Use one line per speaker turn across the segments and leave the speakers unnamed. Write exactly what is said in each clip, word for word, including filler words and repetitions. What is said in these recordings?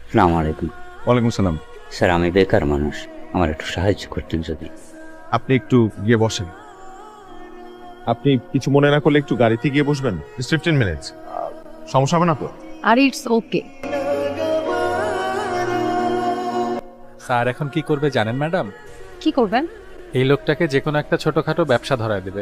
আসসালামু আলাইকুম।
ওয়ালাইকুম সালাম।
স্যার, আমি বেকার মানুষ, আমার একটু সাহায্য করতেন যদি।
আপনি একটু গিয়ে বসেন। আপনি কিছু মনে না করলে একটু গাড়িতে গিয়ে বসবেন। ফিফটিন মিনিটস, সমস্যা হবে না তো?
আর ইটস ওকে।
স্যার এখন কি করবে জানেন ম্যাডাম?
কি করবেন?
এই লোকটাকে যে কোনো একটা ছোটখাটো ব্যবসা ধরায় দেবে।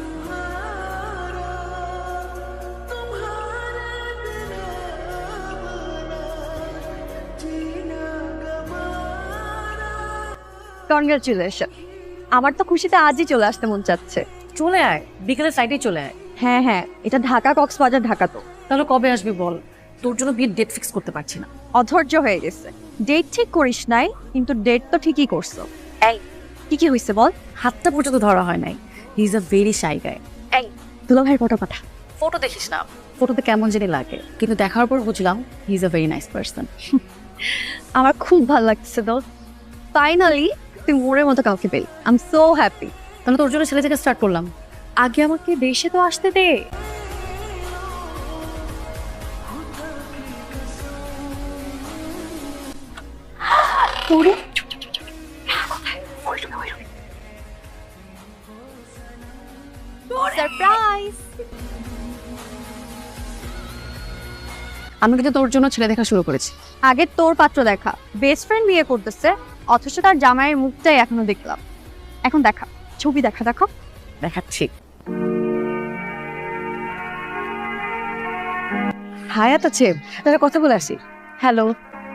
কনগ্রাচুলেশন। আমার তো খুশিতে আজই চলে আসতে মন চাচ্ছে।
চলে আয়, বিকেলের সাইডে চলে আয়।
হ্যাঁ হ্যাঁ, এটা ঢাকা কক্সবাজার ঢাকা তো।
তাহলে কবে আসবি বল? তোর জন্য বিয়ের ডেট ফিক্স করতে পারছি না।
অধৈর্য হয়ে গেছে। ডেট ঠিক করিস নাই, কিন্তু ডেট তো ঠিকই করছো। এই কি কি হয়েছে বল?
হাতটা পর্যন্ত ধরা হয় নাই। He is a very shy guy.
এই দুলা ভাইয়ের ফটো পাঠা।
ফটো দেখিস না, ফটোতে কেমন জানি লাগে, কিন্তু দেখার পর বুঝলাম he is a very nice person.
আমার খুব ভালো লাগছে তো। ফাইনালি তুই মোড়ের মতো কাউকে পেলি। I am so happy.
তাহলে তোর জন্য ছেলে থেকে স্টার্ট করলাম।
আগে আমাকে দেশে তো আসতে দে। তোরে সারপ্রাইজ।
আমি কিন্তু তোর জন্য ছেলে দেখা শুরু করেছি।
আগে তোর পাত্র দেখা, বেস্ট ফ্রেন্ড বিয়ে করতেছে, অথচ তার জামাইয়ের মুখটাই এখনো দেখলাম। এখন দেখা, ছবি দেখা দেখো।
দেখাচ্ছি।
হায়াত আছে, তাহলে কথা বলে আসি। হ্যালো।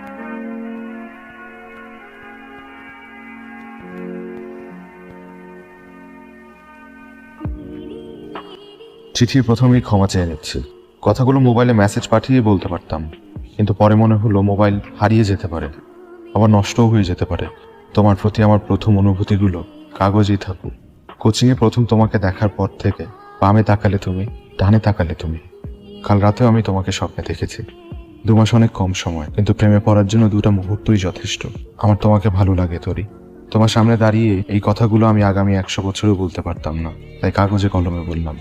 চিঠির প্রথমেই ক্ষমা চেয়ে নিচ্ছি। কথাগুলো মোবাইলে মেসেজ পাঠিয়ে বলতে পারতাম, কিন্তু পরে মনে হলো মোবাইল হারিয়ে যেতে পারে, আবার নষ্টও হয়ে যেতে পারে। তোমার প্রতি আমার প্রথম অনুভূতিগুলো কাগজেই থাকুক। কোচিংয়ে প্রথম তোমাকে দেখার পর থেকে বামে তাকালে তুমি, ডানে তাকালে তুমি। কাল রাতেও আমি তোমাকে স্বপ্নে দেখেছি। দু মাস অনেক কম সময়, কিন্তু প্রেমে পড়ার জন্য দুটা মুহূর্তই যথেষ্ট। আমার তোমাকে ভালো লাগে তরি। তোমার সামনে দাঁড়িয়ে এই কথাগুলো আমি আগামী একশো বছরও বলতে পারতাম না, তাই কাগজে কলমে বললাম।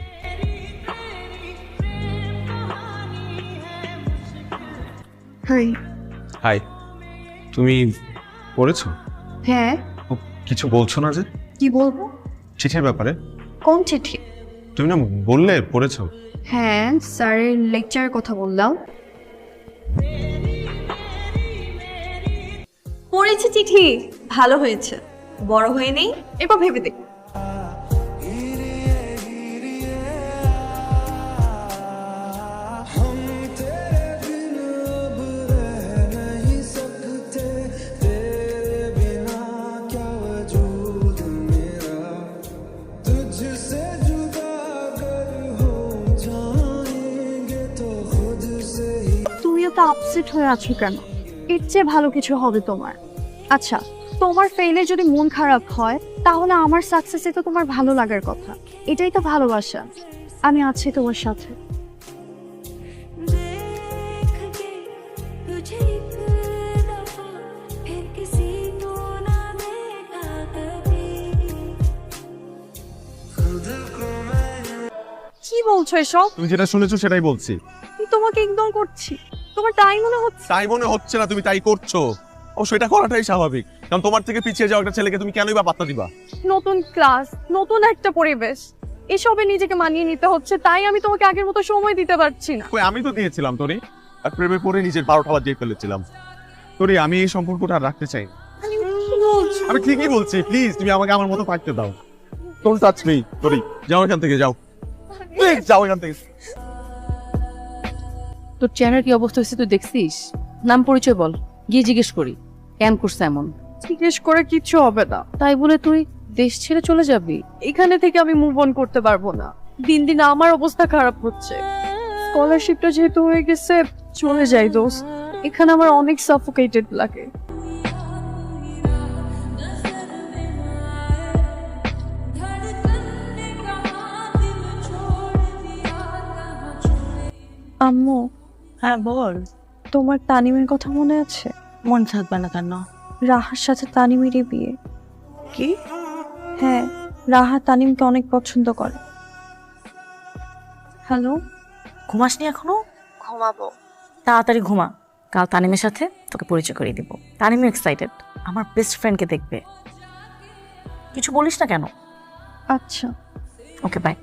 হাই।
হাই। তুমি পড়েছো?
হ্যাঁ।
কিছু বলছো না যে?
কি বলবো?
চিঠির ব্যাপারে।
কোন চিঠি?
তুমি না বললে পড়েছো।
হ্যাঁ, স্যারের লেকচারের কথা বললাম। পড়েছি চিঠি, ভালো হয়েছে। বড় হয়ে নেই, এবার ভেবে দেখ। তুমি এত আপসেট হয়ে আছো কেন? এর চেয়ে ভালো কিছু হবে তোমার। আচ্ছা, তোমার ফেইলে যদি মন খারাপ হয়, তাহলে আমার সাকসেসে তো তোমার ভালো লাগার কথা। এটাই তো ভালোবাসা। আমি আছি তোমার সাথে। কি বলছো এসব?
তুমি যেটা শুনেছো সেটাই বলছি।
আমি তোমাকে ইগনোর করছি, তোমার তাই মনে হচ্ছে?
তাই মনে হচ্ছে না, তুমি তাই করছো। ও সেটা করাটাই স্বাভাবিক, কারণ তোমার থেকে পিছিয়ে যাওয়া একটা ছেলেকে তুমি কেনই বা পাত্তা দিবা?
নতুন ক্লাস, নতুন একটা পরিবেশ, এসবে নিজেকে মানিয়ে নিতে হচ্ছে, তাই আমি তোমাকে আগের মতো সময় দিতে পারছি না।
কই, আমি তো দিয়েছিলাম তোরে। আর প্রেমে পড়ে নিজের বারোটা বাজিয়ে ফেলেছিলাম। তোরে আমি এই সম্পর্কটা আর রাখতে চাই না।
কি বলছো?
আমি ঠিকই বলছি, প্লিজ তুমি আমাকে আমার মতো থাকতে দাও। তোর টাচ নেই তোরই, যাও এখান থেকে, যাও প্লিজ, যাও এখান থেকে।
তোর চেহারার কি অবস্থা হয়েছে তুই দেখছিস? নাম পরিচয় বল, গিয়ে জিজ্ঞেস করি কেন করছে এমন।
জিজ্ঞেস করে কিচ্ছু হবে না।
তাই বলে তুই দেশ ছেড়ে চলে যাবি?
এখানে থেকে আমি মুভ অন করতে পারবো না। দিন দিন আমার অবস্থা খারাপ হচ্ছে। স্কলারশিপটা যেহেতু হয়ে গেছে, চলে যাই দোস্ত। এখানে আমার অনেক সাফোকেটেড লাগে। আম্মু।
হ্যাঁ বল।
তোমার তানিমের কথা মনে আছে?
মন থাকবে না কেন?
রাহার সাথে তানিমেরই বিয়ে।
কি?
হ্যাঁ, রাহা তানিমকে অনেক পছন্দ করে। হ্যালো।
ঘুমাসনি এখনো?
ঘুমাবো।
তাড়াতাড়ি ঘুমা, কাল তানিমের সাথে তোকে পরিচয় করিয়ে দিব। তানিমও এক্সাইটেড, আমার বেস্ট ফ্রেন্ডকে দেখবে। কিছু বলিস না কেন?
আচ্ছা।
Okay bye.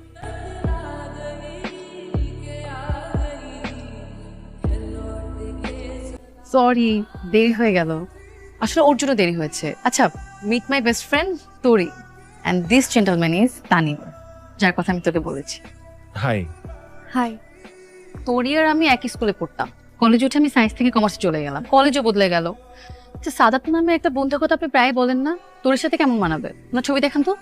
সরি, দেরি হয়ে গেল। আসলে ওর জন্য দেরি হয়েছে। আচ্ছা, meet my best friend Tori, and this gentleman is Tanim, যার কথা আমি তোকে বলেছি।
হাই।
হাই।
তোরি আর আমি একই স্কুলে পড়তাম। কলেজে উঠে আমি সায়েন্স থেকে কমার্সে চলে গেলাম, কলেজও বদলে গেল। আচ্ছা, সাদাত নামে একটা বন্ধুর কথা আপনি প্রায় বলেন না, তোর সাথে কেমন মানাবে? না ছবি দেখান তো।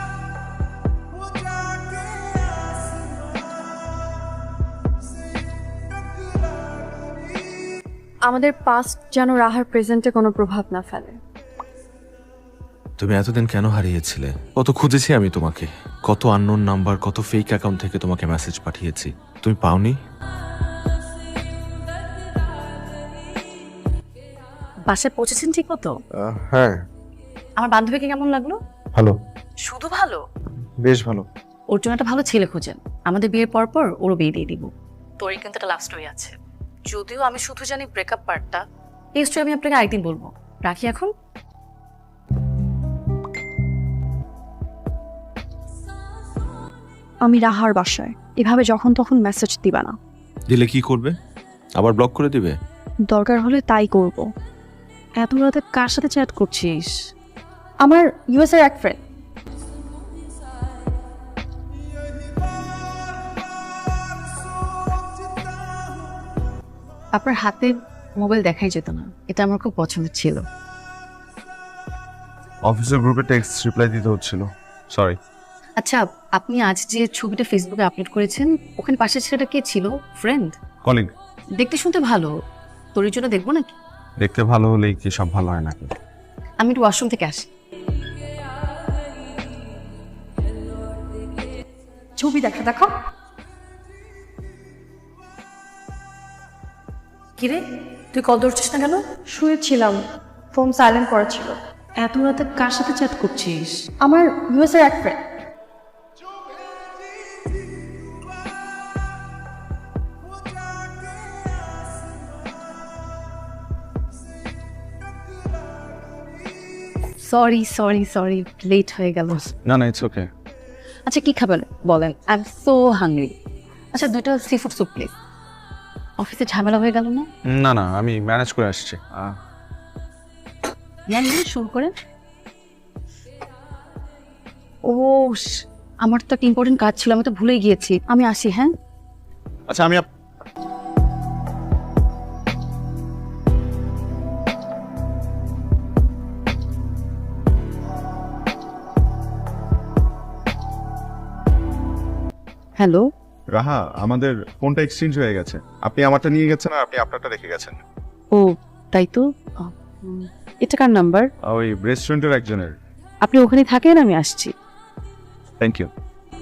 আমাদের পাস্ট যেন রাহার প্রেজেন্টে কোনো প্রভাব না ফেলে।
তুমি এতদিন কেন হারিয়েছিলে? কত খুঁজেছি আমি তোমাকে, কত আননোন নাম্বার, কত ফেক অ্যাকাউন্ট থেকে তোমাকে মেসেজ পাঠিয়েছি, তুমি পাওনি?
বাসায় পৌঁছেছেন ঠিক মতো?
হ্যাঁ,
আমার বান্ধবীকে কেমন লাগলো?
ভালো,
শুধু ভালো?
বেশ ভালো।
ওর জন্য একটা ভালো ছেলে খোঁজেন, আমাদের বিয়ের পর পর ওরও বিয়ে দিয়ে দিব। তোরই কিন্তু একটা লাভ স্টোরি আছে, যদিও আমি শুধু জানি ব্রেকআপ পার্টটা। এই স্টোরি আমি আপনাকে আরেকদিন বলবো। রাখি এখন।
আমি রাহার বাসায়, এভাবে যখন তখন মেসেজ দিবা না।
দিলে কি করবে? আবার ব্লক করে দিবে?
দরকার হলে তাই করব।
এত রাতে কার সাথে চ্যাট করছিস?
আমার ইউএস এর এক ফ্রেন্ড।
আপনার হাতে মোবাইল দেখাই যেত না, এটা আমার খুব পছন্দের ছিল।
অফিসের গ্রুপে টেক্সট রিপ্লাই দিতে হচ্ছিল, সরি।
আচ্ছা, আপনি আজ যে ছবিটা ফেসবুকে আপলোড করেছেন, ওখানে পাশের ছেলেটা কে ছিল? ফ্রেন্ড?
কলিগ।
দেখতে শুনতে ভালো, তোর জন্য দেখবো নাকি?
দেখতে ভালো হলেই কি সব ভালো হয় নাকি?
আমি একটু ওয়াশরুম থেকে আসি।
ছবি দেখা দেখো।
কিরে, তুই কল ধরছিস না কেন?
শুয়েছিলাম, ফোন সাইলেন্ট করা ছিল।
এত রাতে কার সাথে চ্যাট করছিস?
আমার ইউএস এর এক friend.
Sorry sorry sorry, late হয়ে গেল।
না না, ইটস ওকে।
আচ্ছা, কি খাবেন বলেন? I am so hungry. আচ্ছা, দুটো সি ফুড স্যুপ প্লিজ। অফিসে ঝামেলা হয়ে গেল না?
না না, আমি ম্যানেজ করে আসছি।
নেন নেন, শুরু করেন। ও, শ- আমার তো একটা ইম্পর্টেন্ট কাজ ছিল, আমি তো ভুলেই গিয়েছি। আমি আসি, হ্যাঁ?
আচ্ছা, আমি আপ-
হ্যালো।
রাহা, আমাদের ফোনটা এক্সচেঞ্জ হয়ে গেছে। আপনি আমারটা নিয়ে গেছেন আর আপনি আপনারটা রেখে গেছেন।
ও, তাই তো। আহ, উম, এটা কার নাম্বার?
ওই রেস্টুরেন্টের একজনের।
আপনি ওখানে থাকেন, আমি আসছি।
Thank you.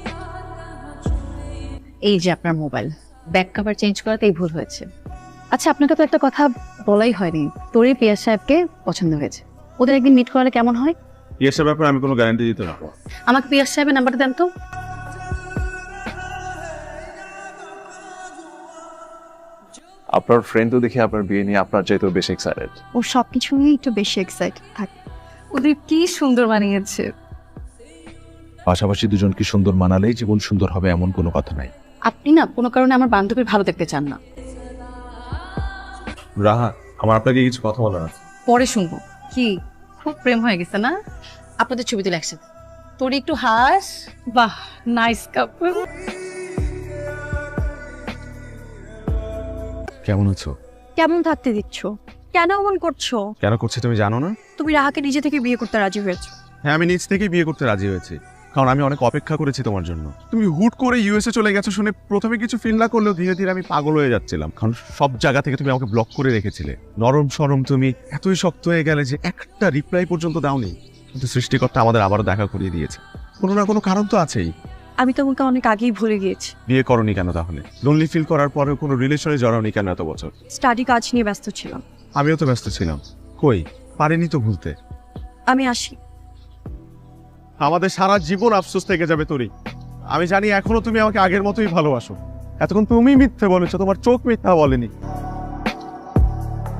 এই যে আপনার মোবাইল, ব্যাক কভার চেঞ্জ করাতেই ভুল হয়েছে। আচ্ছা, আপনাকে তো একটা কথা বলাই হয়নি, তোরই পিয়াস সাহেবকে পছন্দ হয়েছে। ওদের একদিন মিট করালে কেমন হয়?
ইয়েসের ব্যাপারে আমি কোনো গ্যারান্টি দিতে পারবো না।
আমাকে পিয়াস সাহেবের নাম্বারটা দেন তো।
আপনার ফ্রেন্ড তো দেখি আপনার বিয়ে নিয়ে আপনার চাইতেও বেশি এক্সাইটেড।
ও সব কিছু নিয়ে একটু বেশি এক্সাইটেড থাকে।
ওদের কি সুন্দর বানিয়েছে।
পাশাপাশি দুজন কি সুন্দর মানালেই জীবন সুন্দর হবে এমন কোনো কথা নাই।
আপনি না কোনো কারণে আমার বান্ধবীর ভালো দেখতে চান না।
রাহা, আমার আপনাকে কিছু কথা বলার আছে।
পরে শুনবো। কি খুব প্রেম হয়ে গেছে না? আপনাদের ছবি তুলে একসাথে। তোর একটু হাস। বাহ, নাইস কাপল।
কেমন আছো?
কেমন থাকতে দিচ্ছ? কেন এমন করছো?
কেন করছি তুমি জানো না?
তুমি রাহাকে নিজে থেকে বিয়ে করতে রাজি হয়েছো।
হ্যাঁ, আমি নিজ থেকেই বিয়ে করতে রাজি হয়েছি, কারণ আমি অনেক অপেক্ষা করেছি তোমার জন্য। তুমি হুট করে ইউএসএ চলে গেছো শুনে প্রথমে কিছু ফিল না করলেও ধীরে ধীরে আমি পাগল হয়ে যাচ্ছিলাম, কারণ সব জায়গা থেকে তুমি আমাকে ব্লক করে রেখেছিলে। নরম সরম তুমি এতই শক্ত হয়ে গেলে যে একটা রিপ্লাই পর্যন্ত দাওনি। কিন্তু সৃষ্টিকর্তা আমাদের আবারও দেখা করিয়ে দিয়েছে। কোনো না কোনো কারণ তো আছেই।
আমি তোমাকে অনেক আগেই ভুলে গিয়েছি।
বিয়ে করনি কেন তাহলে? লোনলি ফিল করার পরেও কোনো রিলেশনে জড়াওনি কেন এত বছর?
স্টাডি কাজ নিয়ে ব্যস্ত ছিলাম।
আমিও তো ব্যস্ত ছিলাম, কই পারিনি তো ভুলতে।
আমি আসি।
আমাদের সারা জীবন আফসোস থেকে যাবে তোরই। আমি জানি এখনো তুমি আমাকে আগের মতোই ভালোবাসো। এতক্ষণ তুমি মিথ্যে বলেছো, তোমার চোখ মিথ্যা বলেনি।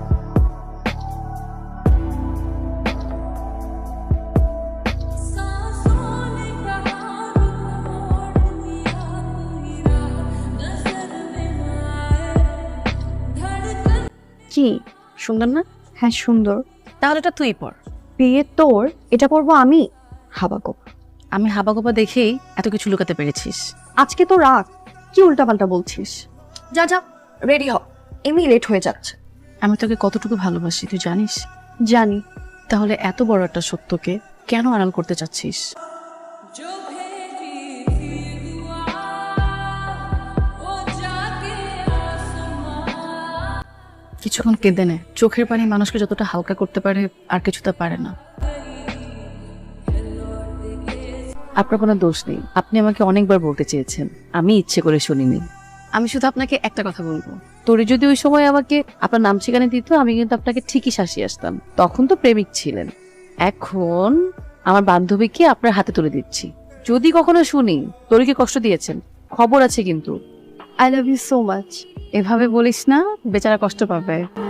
কি?
সুন্দর না?
হ্যাঁ সুন্দর।
তাহলে এটা তুই পর।
বিয়ে তোর, এটা পরবো আমি? হাবাগো,
আমি হাবাগোপা দেখেই এত কিছু লুকাতে পেরেছিস।
আজকে তো রাগ, কি উল্টাপাল্টা বলছিস? যা যা রেডি হ, এমনি লেট হয়ে যাচ্ছে।
আমি তোকে কতটুকু ভালোবাসি তুই জানিস?
জানি।
তাহলে এত বড় একটা সত্যকে কেন আড়াল করতে চাচ্ছিস? কিছুক্ষণ কেঁদে নে, চোখের পানি মানুষকে যতটা হালকা করতে পারে আর কিছু তা পারে না। আপনার কোনো দোষ নেই, আপনি আমাকে অনেকবার বলতে চেয়েছেন, আমি ইচ্ছে করে শুনিনি। আমি শুধু আপনাকে একটা কথা বলবো, তোরে যদি ওই সময় আমাকে আপনার নাম ঠিকানা দিত আমি কিন্তু আপনাকে ঠিকই শাসিয়ে আসতাম। তখন তো প্রেমিক ছিলেন, এখন আমার বান্ধবীকে আপনার হাতে তুলে দিচ্ছি। যদি কখনো শুনি তোরকে কষ্ট দিয়েছেন, খবর আছে কিন্তু।
I love you so much.
এভাবে বলিস না, বেচারা কষ্ট পাবে।